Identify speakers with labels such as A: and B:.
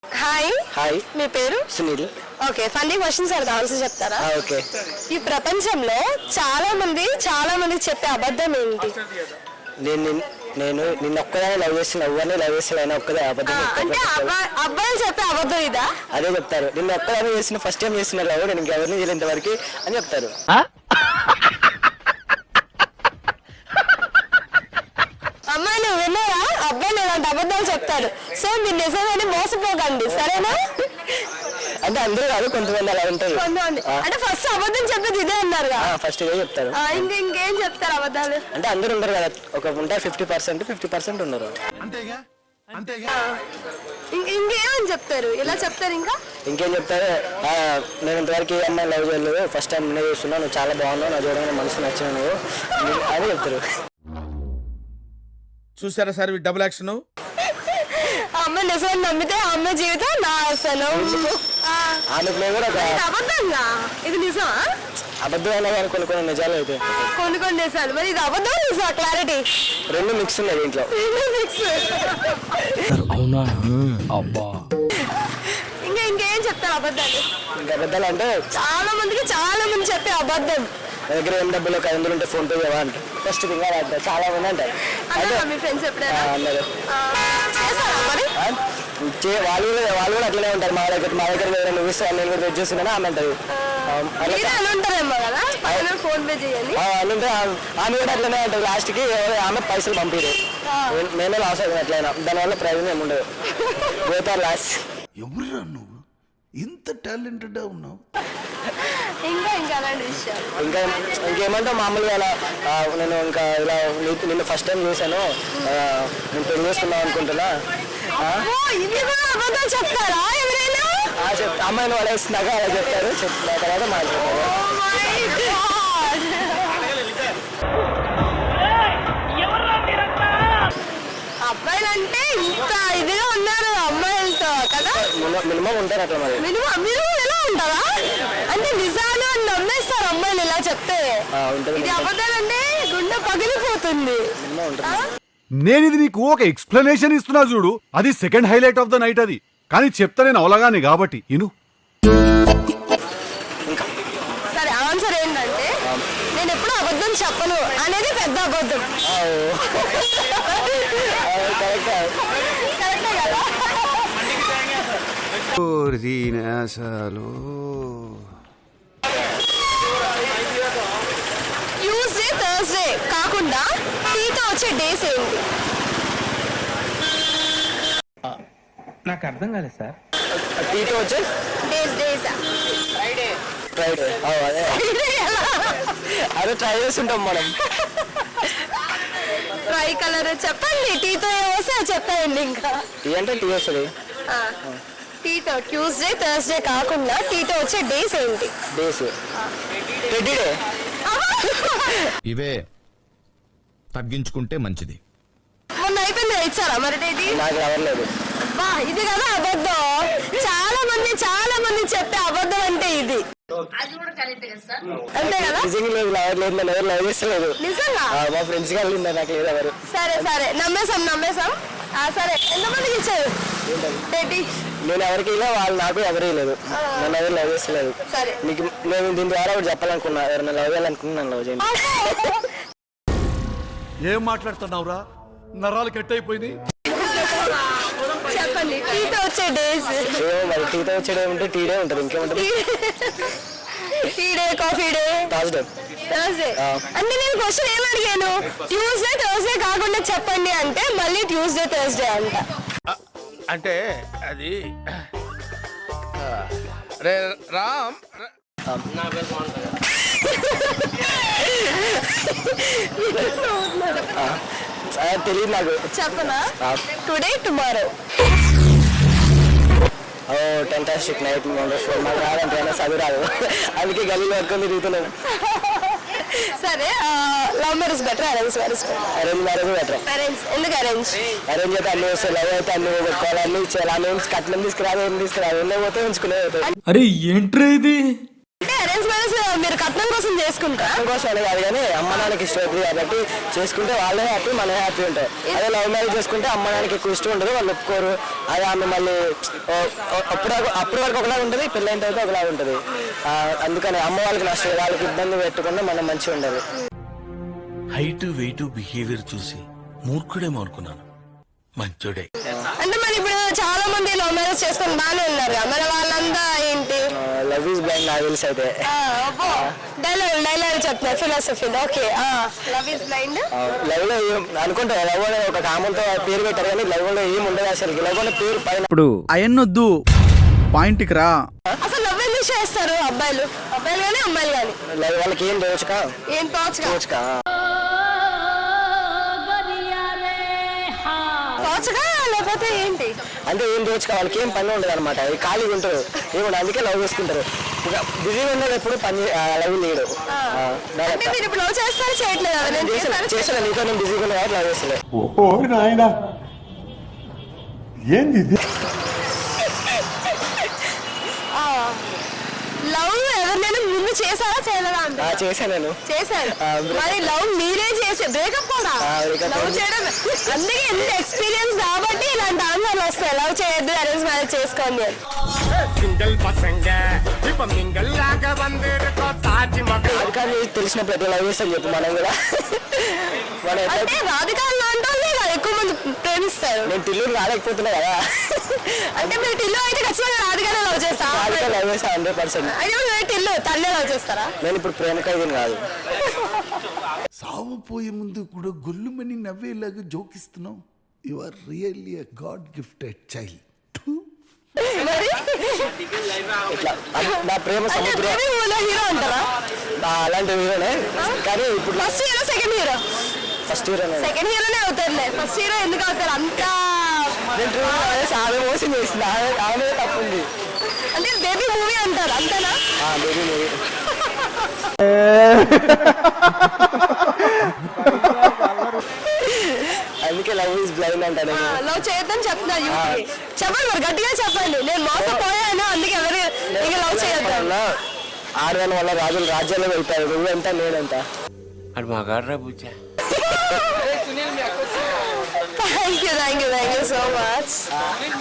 A: Hi
B: hi
A: మీ పేరు
B: Sunil.
A: Okay funny questions అడతా ఆన్సర్ చెప్తారా?
B: ఓకే.
A: ఈ ప్రపంచంలో చాలా మంది చెప్పే అబద్ధం ఏంటి?
B: నేను నేను నిన్న ఒక్కదాన్ని లవ్ చేసిన ఎవరిని లవ్ చేసిన అయినా ఒక్కదే అబద్ధం
A: అంటే అబ్బాయిలు చెప్పే అబద్ధం ఇదా?
B: అదే చెప్తారు. నిన్న ఒక్కదాన్ని చేసిన ఫస్ట్ టైం చేసిన లవ్ నేను ఇంకెవరిని చేయలేంత వరకు అని చెప్తారు.
A: అమ్మాయిలు విన్నారా? అబ్బాయిలు ఇలాంటి అబద్ధాలు చెప్తారు. సో మీరు నిజమని మోసపోకండి, సరేనా?
B: అంటే అందరూ కాదు, కొంతమంది అలా ఉంటారు.
A: కొంతమంది అంటే ఫస్ట్ అబద్ధం చెప్పేది ఇదే అన్నారుగా.
B: ఫస్ట్ ఇదే చెప్తారు.
A: ఇంకేం చెప్తారు అబద్ధాలు?
B: అంటే అందరూ ఉండరు కదా, ఒక ఉంటారు 50% ఉన్నారు.
A: ఇంకేమని చెప్తారు? ఇలా చెప్తారు.
B: ఇంకేం చెప్తారు, నేను ఇంతవరకు ఏ అమ్మాయి లవ్ చేయలేదు, ఫస్ట్ టైం నేను చూస్తున్నా, నువ్వు చాలా బాగున్నావు, నా చూడగానే మనసు నచ్చిన నువ్వు అని చెప్తారు.
C: చూసారా సార్ డబుల్ యాక్షన్.
A: అమ్మాయి నిజం నమ్మితే ఆ అమ్మాయి జీవితం నా అసలు
B: ఆమె కూడా ఒక
A: అబద్ధంగా. ఇది నిజమా?
B: అబద్ధం అయినా కానీ కొన్ని నిజాలు అయితే
A: కొన్ని నిజాలు. మరి ఇది అబద్ధం నిజమా? క్లారిటీ
B: రెండు మిక్స్ ఉన్నాయి దీంట్లో.
D: అవునా? అబ్బా.
A: ఇంకేం చెప్తారు అబద్ధాలు?
B: ఇంకా అబద్ధాలు అంటే
A: చాలా మంది చెప్పే అబద్ధం.
B: నా దగ్గర ఏం డబ్బులు ఒక 500 ఉంటే ఫోన్ పే చేయవా అంటే ఫస్ట్ థింగ్ అంటారు. చాలా మంది అంటారు.
A: మీ ఫ్రెండ్స్ ఎప్పుడైనా
B: అన్నారు
A: చేస్తారా మరి?
B: వాళ్ళు కూడా అట్లనే ఉంటారు. మా దగ్గర వేరే నువ్వు ఇస్తా నేను కూడా వెయిట్ చేస్తున్నాను ఆమె అంటారు.
A: ఉంటారేమో కదా ఫోన్ పే చేయాలి
B: అంటే ఆమె కూడా అట్లనే ఉంటుంది. లాస్ట్కి ఆమె పైసలు పంపిరు, మేమే లాస్ అవుతుంది. అట్లయినా దానివల్ల ప్రయోజనం ఏమి ఉండదు. పోతారు లాస్ట్.
E: ఎవరురా నువ్వు ఇంత టాలెంటెడ్ ఉన్నావు?
A: ఇంకా అలాంటి విషయాలు
B: ఇంకేమంటే మామూలుగా అలా నేను ఇంకా ఇలా నిన్ను ఫస్ట్ టైం చూసాను, నేను పెళ్లి చేసుకుందాం అనుకుంటున్నా.
A: అబద్ధం చెప్తారా ఎవరైనా?
B: అమ్మాయిని పడేస్తున్నాక అలా చెప్తారు. చెప్పిన తర్వాత మాట్లాడతారు.
A: అబ్బాయిలు అంటే ఇంత ఇదిగా ఉన్నారు అమ్మాయిలతో కదా.
B: మినిమం ఉంటారు అట్లా. మరి
A: మీరు ఎలా ఉంటారా? అంటే నిజాలు అని నమ్మేస్తారు అమ్మాయిలు ఇలా చెప్తే. ఇది అబద్ధాలు అంటే గుండె పగిలిపోతుంది.
B: మినిమం ఉంటుంది.
F: నేను ఇది నీకు ఒక ఎక్స్ప్లెనేషన్ ఇస్తున్నా చూడు, అది second highlight of the night. అది కానీ చెప్తా నేను అవలగానే కాబట్టి ఇను.
A: సరే ఆన్సర్ ఏంటంటే నేను ఎప్పుడు అబద్ధం చెప్పను అనేది పెద్ద అబద్ధం. కరెక్టే కదా? ట్యూస్డే థర్స్డే కాకుండా టీతో వచ్చే డేస్ ఏంటి?
D: నాకు అర్థం కాలేదు సార్.
B: టీతో వచ్చే
A: డేస్
B: ఫ్రైడే. అదే ట్రై చేస్తుంటాం మనం.
A: ట్రై కలర్ చెప్పండి. టీతో ఏమొస్తే చెప్పండి. ఇంకా
B: టీ అంటే టీ వస్తుంది.
A: టీతో ట్యూస్డే థర్స్డే కాకుండా టీతో వచ్చే డేస్ ఏంటి?
B: Days teddy day.
E: ఇవే తగ్గించుకుంటే మంచిది.
A: మొన్న అయిపోయింది ఇచ్చారా మరి డేట్?
B: నాకు రావట్లేదు.
A: ఇది కదా అబద్ధం. చాలా మంది చెప్పే అబద్ధం అంటే ఇది. అంతే కదా?
B: నిజంగా లేదు, రావట్లేదు. నేను ఎవరు లవ్ చేస్తలేదు.
A: నిజంగా
B: మా ఫ్రెండ్స్ గా వెళ్ళింది, నాకు లేదు ఎవరు.
A: సరే నమ్మేసాం. సరే ఎంతమందికి ఇచ్చారు డేట్?
B: నేను ఎవరికి ఇలా, వాళ్ళు నాకు ఎవరు లేదు. నన్ను ఎవరు లవ్ చేస్తలేదు.
A: సరే
B: మీకు నేను దీని ద్వారా ఒకటి చెప్పాలనుకున్నా, ఎవరైనా లవ్ చేయాలనుకున్నా నన్ను లవ్ చేయండి.
F: ఏం మాట్లాడుతున్నావురా? నరాలు కట్ అయిపోయింది.
A: చెప్పండి టీతో వచ్చే డేస్.
B: మరి టీతో వచ్చేడే ఉంటే టీ డే ఉంటుంది, ఇంకేముంటుంది?
A: Tea day, coffee day,
B: Thursday.
A: అంటే నేను క్వశ్చన్ ఏం అడిగాను? ట్యూస్డే థర్స్డే కాకుండా చెప్పండి అంటే మళ్ళీ ట్యూస్డే థర్స్డే అంట.
C: అంటే అది రే రామ్
B: తెలియదు నాకు.
A: చెప్పనా? Today tomorrow.
B: Oh fantastic night wonderful. మాకు రాదంటే చదువు రాదు, అందుకే గలీలో పట్టుకొని తిరుగుతున్నాను.
A: సరే love marriage better arrange marriage better?
B: Arrange marriage better.
A: Arrange ఎందుకు? అరేంజ్
B: అయితే అన్ని వస్తాయి, లవ్ అయితే అన్ని పెట్టుకోవాలి, అన్ని ఇచ్చేయాలి. అన్ని కట్నం తీసుకురాదు, ఏం తీసుకురాదు, ఎన్నో పోతే ఉంచుకునే.
D: అరే ఏంట్రా ఇది?
A: అంటే అరేంజ్ అరేంజ్ మ్యారేజ్ మీరు కట్నం కోసం చేసుకుంటారా?
B: కోసం అని కాదు కానీ అమ్మ నాన్నకి ఇష్టం అవుతుంది కాబట్టి చేసుకుంటే వాళ్ళే హ్యాపీ మనమే హ్యాపీ ఉంటాయి. అదే లవ్ మ్యారేజ్ చేసుకుంటే అమ్మ నాన్నకి ఎక్కువ ఇష్టం ఉండదు, వాళ్ళు ఒప్పుకోరు. అదే ఆమె మళ్ళీ అప్పటి వరకు ఒకలా ఉంటుంది, పెళ్ళైన తర్వాత ఒకలా ఉంటుంది. అందుకని అమ్మ వాళ్ళకి నష్టం, వాళ్ళకి ఇబ్బంది పెట్టకుండా మనం మంచిగా ఉండాలి.
E: హైట్ వెయిట్ బిహేవియర్ చూసి మూర్ఖుడేమో అనుకున్నాను, మంచోడే.
A: అంటే మరి ఇప్పుడు చాలా మంది లవ్ మ్యారేజ్ చేసుకొని బాగానే ఉన్నారు కదా, మరి వాళ్ళంతా ఏంటి?
B: లవ్ ఈజ్ బ్లైండ్ నాకు తెలిసి అయితే.
A: డైలాగ్ చెప్తున్నారు philosophy. Okay, love is blind.
B: Love లో అనుకుంటా లవ్ అనే ఒక కామంతో పేరు పెట్టారు కానీ లవ్ లో ఏం ఉండదు అసలు. లవ్ అనే పేరు పైన
G: ఇప్పుడు అయన్నొద్దు, పాయింట్కి రా.
A: అసలు లవ్ ఎందుకు చేస్తారు అబ్బాయిలు కానీ అమ్మాయిలు కానీ?
B: లవ్ వాళ్ళకి ఏం తోచక
A: ఏం తోచగా లేకపోతే ఏంటి
B: అంటే ఏం తోచక వాళ్ళకి ఏం పని ఉండదు అనమాట, ఖాళీగా ఉంటారు ఏమన్నా, అందుకే లవ్ చేసుకుంటారు. ఇక బిజీగా ఉన్నది ఎప్పుడు పని లవ్ లేడు.
A: అంటే మీరు ఇప్పుడు లవ్ చేస్తారా చేయట్లేదు?
B: చేసాను నీతో నేను బిజీగా ఉన్నా కాబట్టి లవ్ చేస్తలే.
A: లవ్ ఎవరినైనా ముందు చేశారా చేయలేదా అంటే?
B: చేశాను నేను.
A: చేశారు. మరి లవ్ మీరే చేసి బ్రేకప్ కూడా లవ్ చేయడం, అందుకే ఎంత ఎక్స్పీరియన్స్ కాబట్టి ఇలాంటి ఆన్సర్లు వస్తాయి. లవ్ చేయొద్దు, అరేంజ్ మ్యారేజ్ చేసుకోండి.
B: అది కానీ తెలిసినప్పుడు ఎట్లా లవ్ చేస్తాను చెప్పు మనం కూడా.
A: అంటే రాధికా లాంటి వాళ్ళే కదా ఎక్కువ మంది ప్రేమిస్తారు.
B: నేను టిల్లు రాలేకపోతున్నా కదా.
A: అంటే మీరు టిల్లు అయితే ఖచ్చితంగా రాధికానే లవ్ చేస్తారా?
B: రాధిక లవ్ చేస్తా 100%.
A: అయితే మీరు టిల్లు తల్లే లవ్ చేస్తారా?
B: నేను ఇప్పుడు ప్రేమ ఖైదీని కాదు.
E: సావపోయే ముందు కూడా గొల్లుమని నవ్వేలాగా జోకిస్తున్నావు. You are really a god gifted child.
B: ఇట్లా నా ప్రేమ సముద్రం
A: హీరో అంటారా?
B: అలాంటి హీరోనే కానీ ఇప్పుడు
A: first hero second hero?
B: First హీరోనే.
A: సెకండ్ హీరోనే అవుతారులే, ఫస్ట్ హీరో ఎందుకు అవుతారు? అంత
B: ఆమె మోసం చేసింది, ఆమె తప్పుంది.
A: అంటే బేబీ మూవీ అంటారు అంతేనా?
B: Baby movie. అందుకే లవ్ ఈజ్ బ్లైండ్ అంటాను.
A: లవ్ చేయొద్దని చెప్తున్నారు. చెప్పండి మరి గట్టిగా చెప్పండి. నేను మోసపోయాను అందుకే ఎవరు ఇంకా లవ్ చేయొద్దు.
B: ఆడదాని వల్ల రాజులు రాజ్యాల్లో వెళ్తారు, నువ్వెంత నేనంత.
D: అది మా గాడ్రా బుజ్జా.
A: Thank you so much.